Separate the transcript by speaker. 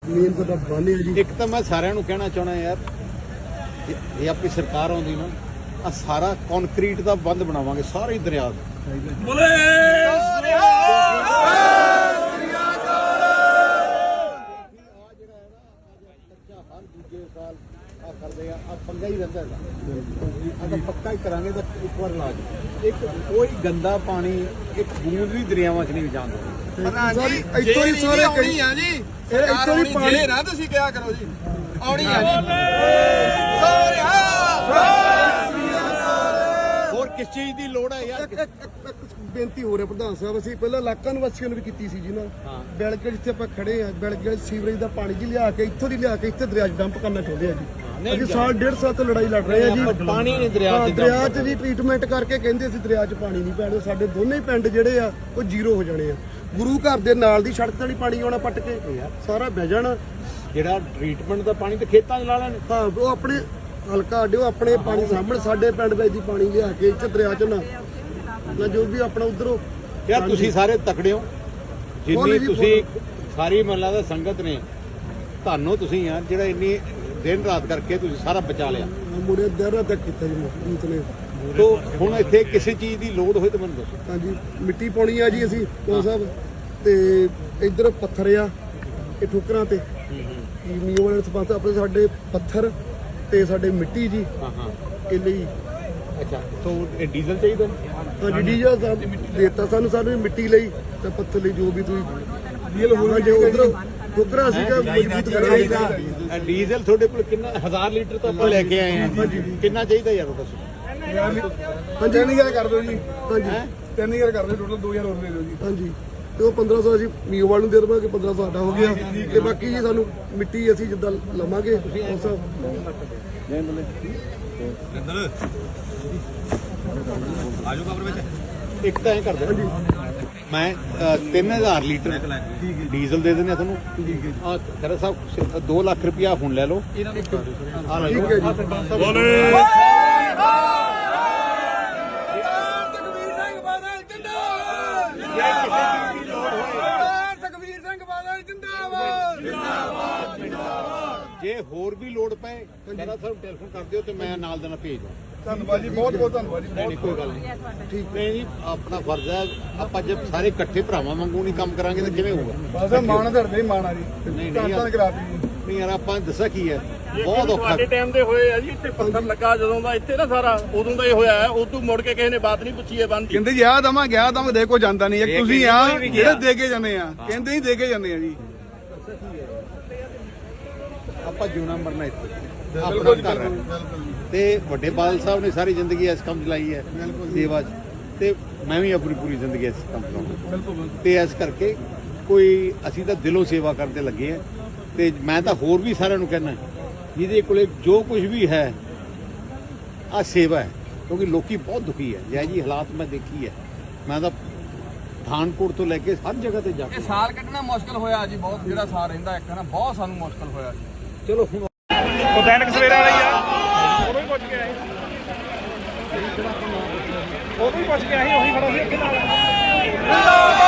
Speaker 1: Main ਤਾਂ ਬੰਨ ਹੈ ਜੀ।
Speaker 2: ਇੱਕ ਤਾਂ ਮੈਂ ਸਾਰਿਆਂ ਨੂੰ ਕਹਿਣਾ ਚਾਹਣਾ ਯਾਰ, ਇਹ ਆਪਣੀ ਸਰਕਾਰ ਆਉਂਦੀ ਨਾ, ਆ ਸਾਰਾ ਕੰਕਰੀਟ ਦਾ ਬੰਦ ਬਣਾਵਾਂਗੇ ਸਾਰੇ ਦਰਿਆ ਦਾ। ਕਰਦੇ ਆ ਪੰਗਾ ਹੀ ਰਹਿੰਦਾ ਹੈਗਾ। ਅਗਰ ਪੱਕਾ ਹੀ ਕਰਾਂਗੇ ਤਾਂ ਇੱਕ ਵਾਰ ਇਲਾਜ, ਇੱਕ ਕੋਈ ਗੰਦਾ ਪਾਣੀ ਇੱਕ ਬੂੰਦ ਵੀ ਦਰਿਆਵਾਂ 'ਚ ਨਹੀਂ ਜਾਣ ਦਿੰਦੇ।
Speaker 1: ਇੱਥੋਂ ਹੀ ਸਾਰੇ
Speaker 3: ਆਉਣੀ ਆ ਜੀ,
Speaker 1: ਇੱਥੋਂ ਹੀ ਪਾਣੀ
Speaker 3: ਨਾ ਤੁਸੀਂ ਕਿਹਾ ਕਰੋ ਜੀ, ਆਉਣੀ ਆ ਜੀ।
Speaker 2: ਹੋਰ ਕਿਸ ਚੀਜ਼ ਦੀ ਲੋੜ ਹੈ ਯਾਰ?
Speaker 1: ਬੇਨਤੀ ਹੋ ਰਿਹਾ ਪ੍ਰਧਾਨ ਸਾਹਿਬ, ਅਸੀਂ ਪਹਿਲਾਂ ਇਲਾਕਾ ਨਿਵਾਸੀਆਂ ਨੂੰ ਵੀ ਕੀਤੀ ਸੀ ਜੀ ਨਾ, ਬਿਲਕੁਲ ਜਿੱਥੇ ਆਪਾਂ ਖੜੇ ਆ, ਬਿਲਕੁਲ ਸੀਵਰੇਜ ਦਾ ਪਾਣੀ ਜੀ ਲਿਆ ਕੇ ਇੱਥੋਂ ਦੀ ਲਿਆ ਕੇ ਇੱਥੇ ਦਰਿਆ 'ਚ ਡੰਪ ਕਰਨਾ ਚਾਹੁੰਦੇ ਆ ਜੀ। ਅਸੀਂ ਸਾਲ ਡੇਢ ਸਾਲ ਤੋਂ ਲੜਾਈ ਲੜ ਰਹੇ ਆ ਜੀ।
Speaker 2: ਪਾਣੀ ਨਹੀਂ ਦਰਿਆ 'ਚ
Speaker 1: ਜੀ ਟ੍ਰੀਟਮੈਂਟ ਕਰਕੇ ਕਹਿੰਦੇ ਅਸੀਂ ਦਰਿਆ 'ਚ ਪਾਣੀ ਨਹੀਂ ਪੈਣਾ। ਸਾਡੇ ਦੋਨੇ ਪਿੰਡ ਜਿਹੜੇ ਆ ਉਹ ਜ਼ੀਰੋ ਹੋ ਜਾਣੇ ਆ। ਗੁਰੂ ਘਰ ਦੇ ਨਾਲ ਦੀ ਸੜਕ ਤੇ ਨਹੀਂ ਪਾਣੀ ਆਉਣਾ, ਪੱਟ ਕੇ ਸਾਰਾ ਬਹਿ ਜਾਣਾ।
Speaker 2: ਜਿਹੜਾ ਟ੍ਰੀਟਮੈਂਟ ਦਾ ਪਾਣੀ ਤੇ ਖੇਤਾਂ 'ਚ ਲਾ ਲੈਣ।
Speaker 1: ਹਾਂ, ਉਹ ਆਪਣੇ ਹਲਕਾ ਅੱਡਿਓ ਆਪਣੇ ਪਾਣੀ ਸਾਹਮਣੇ ਸਾਡੇ ਪਿੰਡ ਵਿੱਚ ਦੀ ਪਾਣੀ ਲਿਆ ਕੇ ਇੱਥੇ ਦਰਿਆ 'ਚ ਨਾ ਜੋ ਵੀ ਆਪਣਾ ਉਧਰੋਂ।
Speaker 2: ਯਾਰ ਤੁਸੀਂ ਸਾਰੇ ਤਕੜੇ ਹੋ, ਜਿੰਨੀ ਤੁਸੀਂ ਸਾਰੀ ਮਹੱਲਾ ਦਾ ਸੰਗਤ ਨੇ, ਤੁਹਾਨੂੰ ਤੁਸੀਂ ਯਾਰ ਜਿਹੜਾ ਇੰਨੀ ਦਿਨ ਰਾਤ ਕਰਕੇ ਤੁਸੀਂ ਸਾਰਾ ਬਚਾ ਲਿਆ।
Speaker 1: ਮੁੜੇ ਦਰਿਆ ਤੱਕ ਕੀਤਾ ਜੀ ਮੀਤ ਨੇ।
Speaker 2: ਤੋ ਹੁਣ ਇੱਥੇ ਕਿਸੇ ਚੀਜ਼ ਦੀ ਲੋੜ ਹੋਏ ਤਾਂ ਮੈਨੂੰ ਦੱਸੋ।
Speaker 1: ਹਾਂਜੀ, ਮਿੱਟੀ ਪਾਉਣੀ ਆ ਜੀ ਅਸੀਂ ਉਹ ਸਾਹਿਬ, ਤੇ ਇੱਧਰ ਪੱਥਰ ਆ ਇਹ ਠੋਕਰਾਂ ਤੇ ਮੀਓ ਵਾਲੇ ਸਰਪੰਚ ਆਪਣੇ ਸਾਡੇ ਪੱਥਰ ਤੇ ਸਾਡੇ ਮਿੱਟੀ ਜੀ। ਇਹ ਲਈ
Speaker 2: ਅੱਛਾ, ਤੋ ਇਹ ਡੀਜ਼ਲ ਚਾਹੀਦਾ?
Speaker 1: ਹਾਂਜੀ, ਡੀਜ਼ਲ ਦੇਤਾ ਸਾਨੂੰ ਮਿੱਟੀ ਲਈ ਤੇ ਪੱਥਰ ਲਈ ਜੋ ਵੀ ਤੁਸੀਂ ਡੀਜ਼ਲ ਹੋਣਾ ਜੇ ਉਧਰ ਠੋਕਰਾਂ ਸੀਗਾ ਮਜ਼ਬੂਤ ਕਰਾਂਗੇ।
Speaker 2: ਡੀਜ਼ਲ ਤੁਹਾਡੇ ਕੋਲ ਕਿੰਨਾ 1000 ਲੀਟਰ ਤਾਂ ਆਪਾਂ ਲੈ ਕੇ ਆਏ ਹਾਂ, ਕਿੰਨਾ ਚਾਹੀਦਾ ਯਾਰ ਉਹ ਦੱਸੋ।
Speaker 1: ਹਾਂਜੀ 3000 ਕਰ ਦਿਓ ਜੀ। ਹਾਂਜੀ 3000 ਕਰ ਦਿਓ, ਟੋਟਲ 2000 ਹੋਰ ਦੇ ਦਿਓ ਜੀ। ਹਾਂਜੀ, ਤੇ ਉਹ 1500 ਅਸੀਂ ਮੀਓਵਾਲ ਨੂੰ ਦੇ ਦੇਵਾਂਗੇ, 1500 ਸਾਡਾ ਹੋ ਗਿਆ ਤੇ ਬਾਕੀ ਜੀ ਸਾਨੂੰ ਮਿੱਟੀ ਅਸੀਂ ਜਿੱਦਾਂ ਲਵਾਂਗੇ ਉਸ
Speaker 3: ਆਜੋ ਕਬਰ ਵਿੱਚ।
Speaker 2: ਇੱਕ ਤਾਂ ਐਂ ਕਰਦੇ ਮੈਂ 3000 ਲੀਟਰ ਡੀਜ਼ਲ ਦੇ ਦਿੰਦੇ ਆ ਤੁਹਾਨੂੰ। ਆ ਖਰਾ ਸਾਹਿਬ 2 ਲੱਖ ਰੁਪਇਆ ਹੁਣ ਲੈ ਲਓ।
Speaker 1: ਠੀਕ ਹੈ ਜੀ।
Speaker 2: ਜੇ ਹੋਰ ਵੀ ਲੋੜ ਪਏ ਖਰਾ ਸਾਹਿਬ ਟੈਲੀਫੋਨ ਕਰ ਦਿਓ ਤੇ ਮੈਂ ਨਾਲ ਦੇ ਨਾਲ ਭੇਜ ਦਵਾਂ।
Speaker 1: ਧੰਨਵਾਦ ਜੀ, ਬਹੁਤ ਬਹੁਤ ਧੰਨਵਾਦ ਜੀ।
Speaker 2: ਨਹੀਂ ਕੋਈ ਗੱਲ ਨਹੀਂ, ਠੀਕ ਨਹੀਂ ਜੀ, ਆਪਣਾ ਫਰਜ਼ ਹੈ। ਆਪਾਂ ਜੇ ਸਾਰੇ ਇਕੱਠੇ ਭਰਾਵਾਂ ਵਾਂਗੂ ਨਹੀਂ ਕੰਮ ਕਰਾਂਗੇ ਤਾਂ ਕਿਵੇਂ ਹੋਊਗਾ?
Speaker 1: ਬਸ ਮਾਣ ਧਰਦੇ ਮਾਣ ਆ ਜੀ।
Speaker 2: ਨਹੀਂ
Speaker 1: ਨਹੀਂ
Speaker 2: ਯਾਰ ਆਪਾਂ ਦੱਸਿਆ ਕੀ ਹੈ, ਬਹੁਤ ਔਖਾ।
Speaker 4: ਸਾਡੇ ਟਾਈਮ ਦੇ ਹੋਏ ਆ ਜੀ, ਇੱਥੇ ਪੱਥਰ ਲੱਗਾ ਜਦੋਂ ਦਾ ਇੱਥੇ ਨਾ ਸਾਰਾ, ਉਦੋਂ ਦਾ ਹੀ ਹੋਇਆ ਹੈ। ਉਦੋਂ ਮੁੜ ਕੇ ਕਿਸੇ ਨੇ ਬਾਤ ਨਹੀਂ ਪੁੱਛੀ ਹੈ ਬੰਦ।
Speaker 1: ਕਹਿੰਦੇ ਗਿਆ ਦਵਾਂ ਦੇ ਕੋ ਜਾਂਦਾ ਨਹੀਂ। ਇੱਕ ਤੁਸੀਂ ਆ ਜਿਹੜੇ ਦੇ ਕੇ ਜਾਂਦੇ ਆ, ਕਹਿੰਦੇ ਹੀ ਦੇ ਕੇ ਜਾਂਦੇ ਆ ਜੀ।
Speaker 2: ਆਪਾਂ ਜਿਉਣਾ ਮਰਨਾ ਇੱਥੇ ਆਪਣਾ ਘਰ ਹੈ ਤੇ ਵੱਡੇ ਬਾਦਲ ਸਾਹਿਬ ਨੇ ਸਾਰੀ ਜ਼ਿੰਦਗੀ ਇਸ ਕੰਮ 'ਚ ਲਾਈ ਹੈ, ਸੇਵਾ 'ਚ, ਤੇ ਮੈਂ ਵੀ ਆਪਣੀ ਪੂਰੀ ਜ਼ਿੰਦਗੀ ਇਸ ਕੰਮ 'ਚ ਲਾਉਂਗਾ। ਤੇ ਇਸ ਕਰਕੇ ਕੋਈ ਅਸੀਂ ਤਾਂ ਦਿਲੋਂ ਸੇਵਾ ਕਰਦੇ ਲੱਗੇ ਆ। ਤੇ ਮੈਂ ਤਾਂ ਹੋਰ ਵੀ ਸਾਰਿਆਂ ਨੂੰ ਕਹਿਣਾ, ਜਿਹਦੇ ਕੋਲੇ ਜੋ ਕੁਝ ਵੀ ਹੈ ਆ ਸੇਵਾ ਹੈ, ਕਿਉਂਕਿ ਲੋਕੀ ਬਹੁਤ ਦੁਖੀ ਹੈ। ਜੈ ਜੀ ਹਾਲਾਤ ਮੈਂ ਦੇਖੀ ਹੈ, ਮੈਂ ਤਾਂ ਪਠਾਨਕੋਟ ਤੋਂ ਲੈ ਕੇ ਹਰ ਜਗ੍ਹਾ ਤੇ ਜਾ ਕੇ।
Speaker 3: ਇਹ ਸਾਲ ਕੱਢਣਾ ਮੁਸ਼ਕਲ ਹੋਇਆ ਜੀ, ਬਹੁਤ ਜਿਹੜਾ ਸਾਲ ਰਹਿੰਦਾ ਇੱਕ ਨਾ, ਬਹੁਤ ਸਾਨੂੰ ਮੁਸ਼ਕਲ ਹੋਇਆ ਜੀ।
Speaker 2: ਚਲੋ ਹੁਣ
Speaker 4: ਉਹ ਦੈਨਿਕ ਸਵੇਰਾ ਵਾਲੀ ਆ, ਉਦੋਂ ਹੀ ਪੁੱਛ ਕੇ ਆਏ, ਉਦੋਂ ਹੀ ਪੁੱਛ ਕੇ ਆਏ, ਉਹੀ ਖੜਾ ਸੀ ਅੱਗੇ ਨਾਲ।